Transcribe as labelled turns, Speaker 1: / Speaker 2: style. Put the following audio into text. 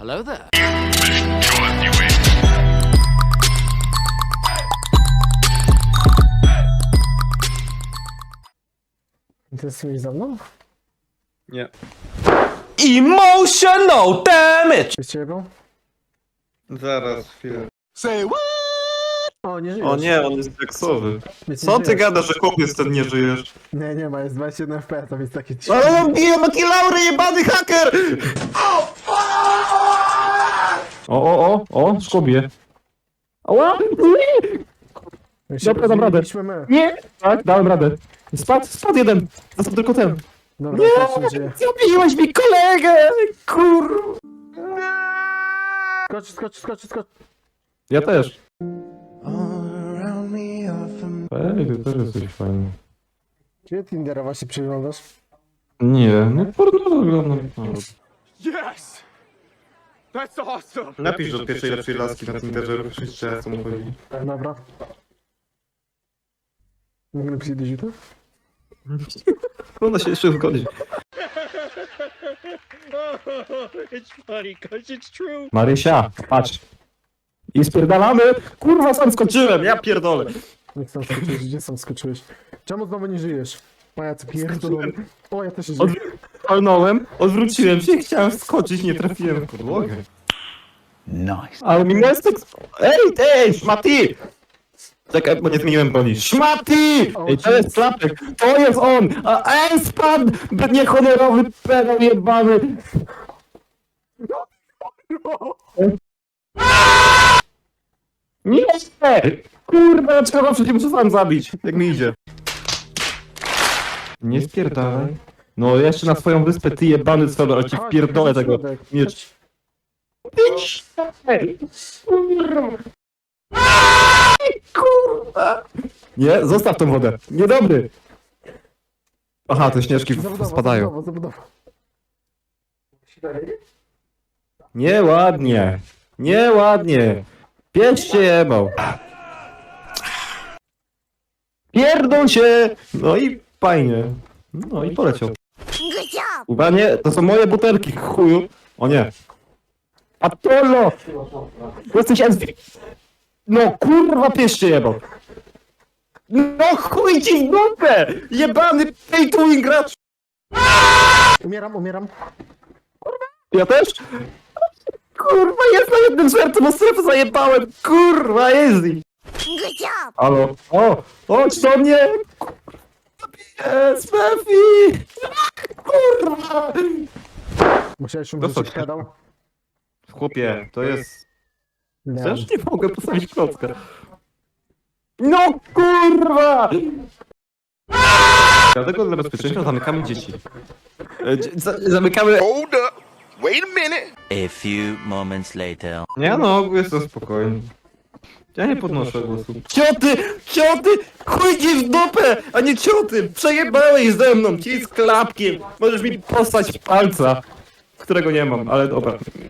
Speaker 1: Hello there.
Speaker 2: Interesujesz za mną?
Speaker 3: Nie.
Speaker 4: Emotional damage!
Speaker 2: Jest ciebie?
Speaker 3: Zaraz, chwilę.
Speaker 2: O, nie żyjesz.
Speaker 4: O nie, on jest seksowy.
Speaker 2: Więc nie
Speaker 4: Co ty
Speaker 2: żyjesz.
Speaker 4: gadasz, że chłopiec ten nie żyjesz?
Speaker 2: Nie, nie ma, jest 21 FPS, to jest taki...
Speaker 4: Ale on bije bakilaury, jebany haker! O, szkobie. Ała! Dobra, dam radę.
Speaker 2: My.
Speaker 4: Nie! Tak, dałem radę. Spadł jeden. Został tylko ten.
Speaker 2: Dobra, nie! Żyje.
Speaker 4: Zabiłeś mi kolegę! Kur...
Speaker 2: Skocz.
Speaker 4: Ja też. Ej, ty też jesteś fajny.
Speaker 2: Gdzie Tindera właśnie przyglądasz?
Speaker 4: Nie, no porno wygląda.
Speaker 1: Yes! That's awesome!
Speaker 3: Napisz do pierwszej lepszej laski na Tinderze, żeby wszyscy co mu chodzi.
Speaker 2: Dobra. Mogę napisać do YouTube?
Speaker 4: Ona się jeszcze zgodzi.
Speaker 1: It's funny because it's true.
Speaker 4: Marysia, patrz. I spierdalamy. Kurwa, sam skoczyłem, ja pierdolę.
Speaker 2: Jak sam skoczyłeś? Gdzie sam skoczyłeś? Czemu znowu nie żyjesz? Pajac pierdolony. O, ja też się żyję.
Speaker 4: Walnąłem, odwróciłem się, chciałem skoczyć, nie trafiłem w podłogę. Nice. Ale mi miastek... Ej, szmaty! Czekaj, bo nie zmieniłem broni. Szmaty! Ej, to jest klapek, to jest on! Ej, spadł! Niehonorowy pedał jebany! Nie! Kurwa, trzeba przecież muszę sam zabić, jak mi idzie. Nie spierdalaj. No jeszcze na swoją wyspę, ty jebany cwelo, ale ci
Speaker 2: Chodź,
Speaker 4: wpierdolę
Speaker 2: chodź,
Speaker 4: tego
Speaker 2: środek.
Speaker 4: miecz. Kurwa! Nie, zostaw tą wodę. Niedobry! Aha, te śnieżki spadają.
Speaker 2: Zabudowa.
Speaker 4: Nieładnie. Nieładnie. Pięć się jebał. Pierdol się! No i fajnie. No i poleciał. Uwaga, nie, to są moje butelki, chuju. O nie. Apollo! Jesteś Ezwi. No kurwa, pies się jebał. No chuj ci w dupę! Jebany pay to win gracz!
Speaker 2: Umieram.
Speaker 4: Ja też? Kurwa, jest na jednym sercu, bo strefę zajebałem! Kurwa, Ezwi! Halo? O! Chodź do mnie! Jest, Mefi! Kurwa!
Speaker 2: Musiałeś
Speaker 4: To
Speaker 2: umrzeć,
Speaker 4: co?
Speaker 2: jak pedał?
Speaker 4: Chłopie, to jest...
Speaker 2: Nie.
Speaker 4: Też nie mogę postawić klocka. No kurwa! Dlatego dla bezpieczeństwa zamykamy dzieci. Zamykamy...
Speaker 5: Hold up. Wait a minute.
Speaker 6: A few moments later.
Speaker 4: Nie no, jestem spokojny. Ja nie podnoszę głosu. Cioty! Cioty! Chuj ci w dupę, a nie cioty! Przejebałeś ze mną, ci z klapkiem! Możesz mi postać palca, którego nie mam, ale dobra.